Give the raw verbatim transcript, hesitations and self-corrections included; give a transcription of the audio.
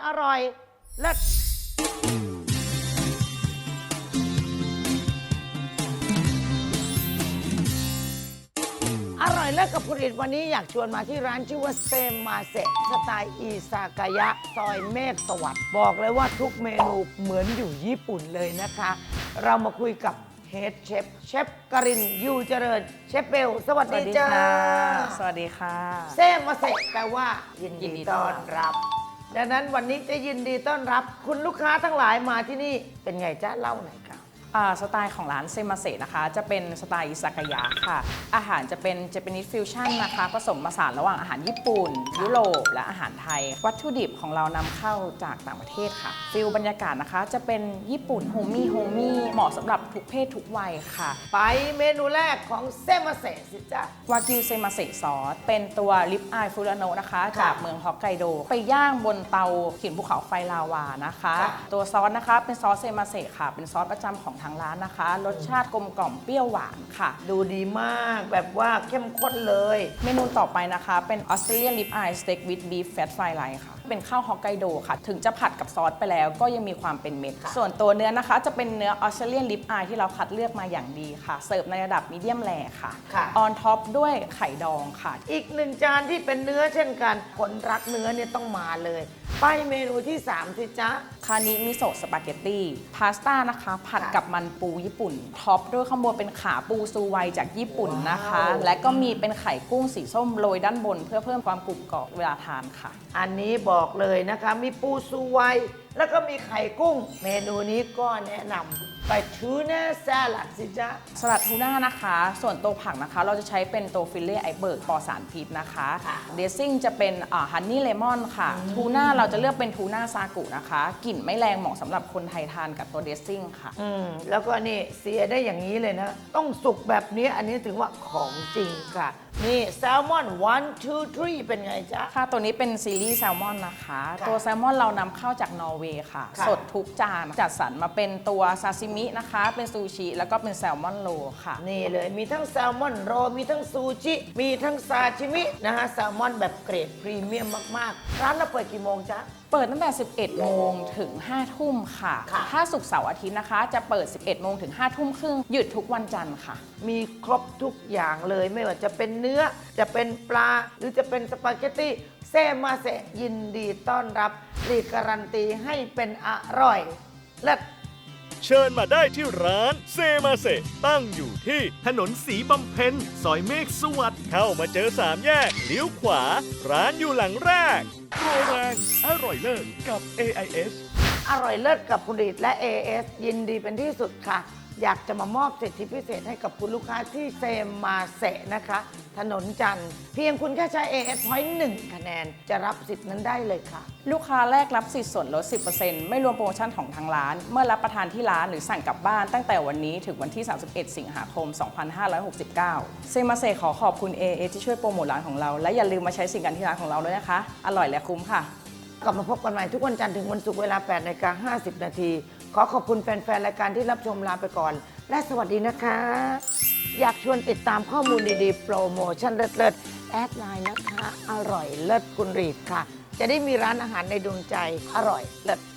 อร่อยเลิศอร่อยเลิศกับผลิตวันนี้อยากชวนมาที่ร้านชื่อว่าเซมาเซะสไตล์อิซากายะซอยเมฆสวัสดิ์บอกเลยว่าทุกเมนูเหมือนอยู่ญี่ปุ่นเลยนะคะ เรามาคุยกับเฮดเชฟเชฟกรินยูเจริญเชฟเบลสวัสดีจ้าสวัสดีค่ะเซมาเซะแปลว่ายินดีต้อนรับดังนั้นวันนี้จะยินดีต้อนรับ คุณลูกค้าทั้งหลายมาที่นี่เป็นไงจ๊ะเล่าหน่อยครับสไตล์ของร้านเซมาเซะนะคะจะเป็นสไตล์อิซากายะค่ะอาหารจะเป็นเจแปนิสฟิวชั่นนะคะผสมผสานระหว่างอาหารญี่ปุ่นยุโรปและอาหารไทย วัตถุดิบของเรานำเข้าจากต่างประเทศค่ะฟิลบรรยากาศนะคะจะเป็นญี่ปุ่นโฮมี่โฮมี่เหมาะสำหรับทุกเพศทุกวัยค่ะไปเมนูแรกของเซมาเซะสิจ๊ะวากิวเซมาเซะซอสเป็นตัวลิปอายฟูรานโนะนะคะค่ะจากเมืองฮอกไกโดไปย่างบนเตาหินภูเขาไฟลาวานะคะค่ะตัวซอสนะคะเป็นซอสเซมาเซะค่ะเป็นซอสประจำของทางร้านนะคะรสชาติกลมกล่อมเปรี้ยวหวานค่ะดูดีมากแบบว่าเข้มข้นเลยเมนูต่อไปนะคะเป็นออสเตรเลียนลิปอายสเต็กวิดบีฟแฟตไฟไลท์ค่ะเป็นข้าวฮอกไกโดค่ะถึงจะผัดกับซอสไปแล้วก็ยังมีความเป็นเม็ดส่วนตัวเนื้อนะคะจะเป็นเนื้อออสเตรเลียนลิปอายที่เราคัดเลือกมาอย่างดีค่ะเสิร์ฟในระดับมีเดียมแรค่ะค่ะออนท็อปด้วยไข่ดองค่ะอีกหนึ่งจานที่เป็นเนื้อเช่นกันคนรักเนื้อเนี่ยต้องมาเลย ไปเมนูที่สามสิจ๊ะคานิมิโซะสปาเกตตี้พาสต้านะคะผัดค่ะกับมันปูญี่ปุ่นท็อปด้วยข้างบนเป็นขาปูซูไวจากญี่ปุ่นนะคะว้าวและก็มีเป็นไข่กุ้งสีส้มโรยด้านบน เพื่อเพิ่มความกรุบกรอบเวลาทานค่ะอันนี้บอกเลยนะคะมีปูซูไวแล้วก็มีไข่กุ้ง เมนูนี้ก็แนะนำไปทูน่าสลัดสิจ๊ะสลัดทูน่านะคะ ส่วนตัวผักนะคะ เราจะใช้เป็นตัวฟิลเล่ไอเบิร์กปลอดสารพิษนะคะค่ะเดซซิ่งจะเป็นฮันนี่เลมอนค่ะ ทูน่าเราจะเลือกเป็นทูน่าซากุนะคะ กลิ่นไม่แรงเหมาะสำหรับคนไทยทานกับตัวเดซซิ่งค่ะอืมแล้วก็นี่เสียได้อย่างนี้เลยนะ ต้องสุกแบบนี้อันนี้ถึงว่าของจริงค่ะ นี่แซลมอน one two three เป็นไงจ๊ะค่ะตัวนี้เป็นซีรีส์แซลมอนนะคะค่ะตัวแซลมอนเรานำเข้าจากนอร์เวย์ค่ะค่ะสดทุกจานจัดสรรมาเป็นตัวซาซิมินะคะ เป็นซูชิ แล้วก็เป็นแซลมอนโรลค่ะนี่เลยมีทั้งแซลมอนโรลมีทั้งซูชิ มีทั้งซาชิมินะฮะแซลมอนแบบเกรดพรีเมียมมาก ๆ ร้านเราเปิดกี่โมงจ๊ะเปิดตั้งแต่ สิบเอ็ด โมงถึง ห้า ทุ่มค่ะค่ะถ้าศุกร์เสาร์อาทิตย์นะคะ จะเปิด สิบเอ็ด โมงถึง ห้า ทุ่มครึ่ง หยุดทุกวันจันทร์ค่ะมีครบทุกอย่างเลยไม่ว่าจะเป็นเนื้อจะเป็นปลา หรือจะเป็นสปาเกตตี้เซมาเซะยินดีต้อนรับรีการันตีให้เป็นอร่อยและเชิญมาได้ที่ร้านเซมาเซะตั้งอยู่ที่ถนนสีบำเพ็ญซอยเมฆสวัสดิ์เข้ามาเจอสามแยกเลี้ยวขวา ร้านอยู่หลังแรกโปรแรงอร่อยเลิศกับ เอ ไอ เอสอร่อยเลิศกับคุณรีดและ เอ เอส ยินดีเป็นที่สุดค่ะ อยากจะมามอบสิทธิพิเศษให้กับคุณลูกค้าที่เซมาเซะนะคะ ถนนจันทร์เพียงคุณแค่ใช้ เอ เอส Point หนึ่งคะแนนจะรับสิทธิ์นั้นได้เลยค่ะลูกค้าแรกรับสิทธิ์ส่วนลด สิบเปอร์เซ็นต์ ไม่รวมโปรโมชั่นของทางร้าน เมื่อรับประทานที่ร้านหรือสั่งกลับบ้านตั้งแต่วันนี้ถึงวันที่ สามสิบเอ็ด สิงหาคม สองพันห้าร้อยหกสิบเก้า เซมาเซขอขอบคุณ เอ เอ ที่ช่วยโปรโมทร้านของเรา และอย่าลืมมาใช้สินค้าที่ร้านของเราด้วยนะคะ อร่อยและคุ้มค่ะกลับมาพบกันใหม่ทุกวันจันทร์ถึงวันศุกร์เวลา แปดนาฬิกาห้าสิบนาที ขอขอบคุณแฟน ๆ รายการที่รับชมลาไปก่อน และสวัสดีนะคะ อยากชวนติดตามข้อมูลดี ๆ โปรโมชั่นเลิศ ๆ แอดไลน์นะคะ อร่อยเลิศคุณรีดค่ะ จะได้มีร้านอาหารในดวงใจอร่อยเลิศ